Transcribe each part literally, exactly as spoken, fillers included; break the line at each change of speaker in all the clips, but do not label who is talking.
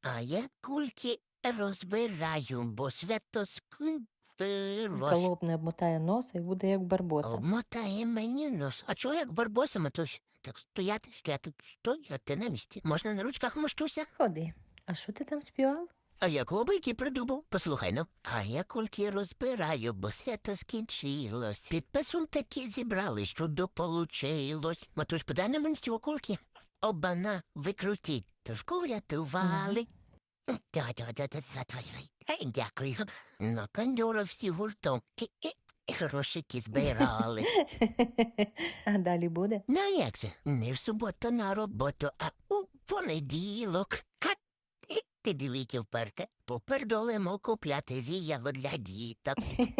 А я кульки розбираю, бо свято скінчилось.
Колоб не обмотає носа і буде як барбоса.
Обмотає мені нос. А чого як барбоса, матусь? Так стояти, стояти, стояти на місці. Можна на ручках мощуся?
Ходи. А що ти там співав?
А я клобики придумав. Послухай, ну. А я кульки розбираю, бо свято скінчилось. Підписом таки зібрали, що дополучилось. Матусь, подай на мені цього кульки. Обана, викрутіть. Трошку врятували. Ей, дякую. На кондьора всі гуртом. Грошики збирали.
А далі буде?
Ну як же, не в суботу на роботу, а у понеділок. А і ти дивіться вперте, попердолимо купляти віяло для діток.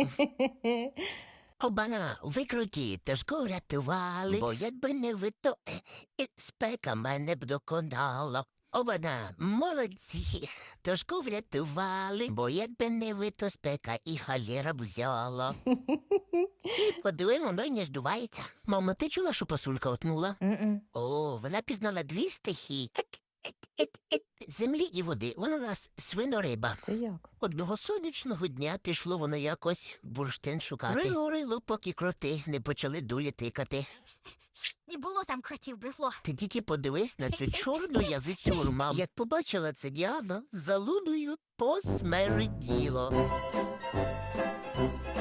Обана, викруті, тежко врятували, бо якби не ви, то е, е, спека мене б доконала. Обана, молодці, тежко врятували, бо якби не ви, то спека і халєра б взяла. І подивимо, воно й не здувається. Мама, ти чула, що пасулька отнула?
М-м.
О, вона пізнала дві стихії. Ет, ет, ет, ет, землі і води. Вона у нас свинориба.
Це як?
Одного сонячного дня пішло воно якось бурштин шукати. Рило, рило, поки кроти не почали дулі тикати.
Не було там кротів, брехло.
Ти тільки подивись на цю чорну язицю мам. Як побачила це Діана, залудою посмерділо.